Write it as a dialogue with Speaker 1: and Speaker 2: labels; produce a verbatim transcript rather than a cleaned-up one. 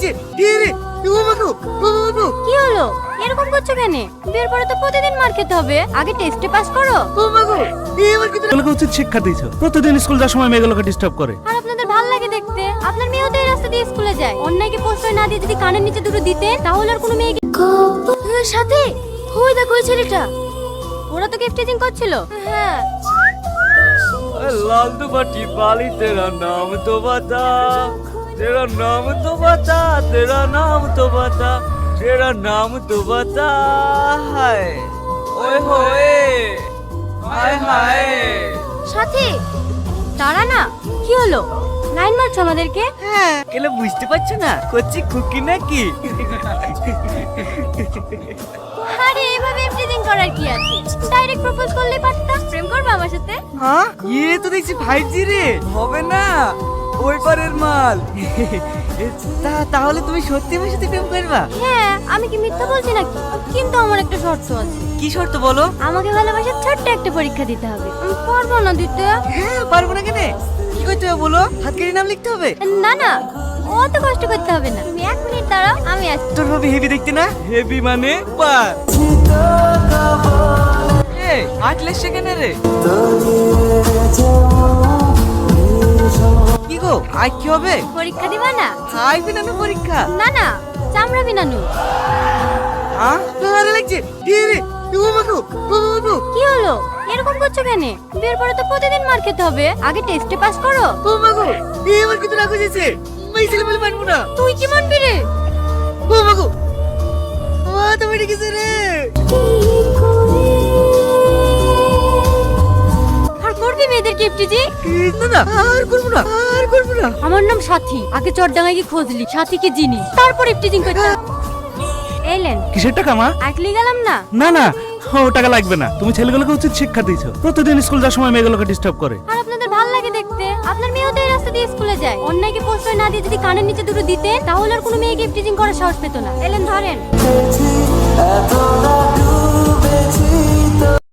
Speaker 1: লাগছে। কি রে ও বাবু ও বাবু
Speaker 2: কি হলো? এরকম করছো কেন? বিয়ের পরে তো প্রতিদিন মার খেতে হবে, আগে টেস্টে পাস করো।
Speaker 1: ও বাবু এবার কিন্তু
Speaker 3: মেয়েগুলোকে উচিত শিক্ষা দিয়েছো, প্রতিদিন স্কুল যাওয়ার সময় মেয়েগুলোকে ডিস্টার্ব করে।
Speaker 2: আর আপনাদের ভাল লাগে দেখতে, আপনার মেয়েও তো এই রাস্তা দিয়ে স্কুলে যায়। অন্যায়কে প্রশ্রয় না দিয়ে যদি কানের নিচে দুটো দিতেন তাহলে আর কোনো মেয়েকে সাথে ওই দেখো ওই ছেলেটা, ওরা তো গিফটিং করছিল। হ্যাঁ
Speaker 1: लाल दुपट्टी वाली तेरा नाम तो बता, तेरा नाम तो बता, तेरा नाम तो बता, तेरा नाम तो बता। हाय ओए होए हाय हाय।
Speaker 2: সাথে দাঁড়া না, কি হলো? লাইন মারছো আমাদেরকে?
Speaker 1: হ্যাঁ কেন বুঝতে পারছো না করছি খুকি নাকি?
Speaker 2: আরে এইভাবে গিফটিং করার কি আছে? ডাইরেক্ট প্রপোজ করলে পারতাম। প্রেম করবে আমার সাথে?
Speaker 1: হ্যাঁ ये तो দেখছি ফাইভ জি রে, হবে না ওই পারের মাল। তা তাহলে তুমি সত্যি আমার সাথে প্রেম করবা?
Speaker 2: হ্যাঁ, আমি কি মিথ্যা বলছি নাকি? কিন্তু আমার একটা শর্ত আছে।
Speaker 1: কি শর্ত বলো?
Speaker 2: আমাকে ভালোবাসার ছোট্ট একটা পরীক্ষা দিতে হবে। আমি পারবো না দিতে।
Speaker 1: হ্যাঁ পারবো না কেন? কি করতে হবে বলো? হাত কেটে নাম লিখতে হবে?
Speaker 2: না না, অত কষ্ট করতে হবে না। তুমি এক মিনিট দাঁড়াও, আমি আসছি।
Speaker 1: তোর ভাবি হেভি দেখতে না? হেভি মানে পার। এই আটলে সেখানে রে কি গো আজ কি হবে?
Speaker 2: পরীক্ষা দিবা না?
Speaker 1: হাই বিনানু পরীক্ষা?
Speaker 2: না না, চামড়া বিনানু।
Speaker 1: হ্যাঁ আরে লাগছে। কি রে ও বাবু ও বাবু
Speaker 2: কি হলো? এরকম করছো কেন? বিয়ের পরে তো প্রতিদিন মার খেতে হবে, আগে টেস্টে পাস করো।
Speaker 1: ও বাবু এবার কিন্তু রাখো যেছে মাই ছেলে বলে মানবো না।
Speaker 2: তুই কি মানবি রে?
Speaker 1: ও বাবু ও তো বেড়ে গেছে রে।
Speaker 2: আর করবি মেয়েদের গিফটিজি?
Speaker 1: না না আর করবো না আর করবো না।
Speaker 2: আমার নাম সাথী, আগে চটডাঙ্গায় গিয়ে খোঁজলি সাথী কি জিনিস, তারপর গিফটিজিং করতে। এলেন
Speaker 3: কিসের টাকা মা?
Speaker 2: আকলি গেলাম না।
Speaker 3: না না, ও টাকা লাগবে না। তুমি ছেলেগুলোকে উচিত শিক্ষা দিয়েছো, প্রতিদিন স্কুল যাওয়ার সময় মেয়েগুলোকে ডিস্টার্ব করে।
Speaker 2: আর আপনাদের ভাল লাগে দেখতে, আপনার মেয়েও তো এই রাস্তা দিয়ে স্কুলে যায়। অন্যায়কে প্রশ্রয় না দিয়ে যদি কানের নিচে দুটো দিতেন তাহলে আর কোনো মেয়ে গিফটিজিং করার সাহস পেত না। এলেন ধরেন।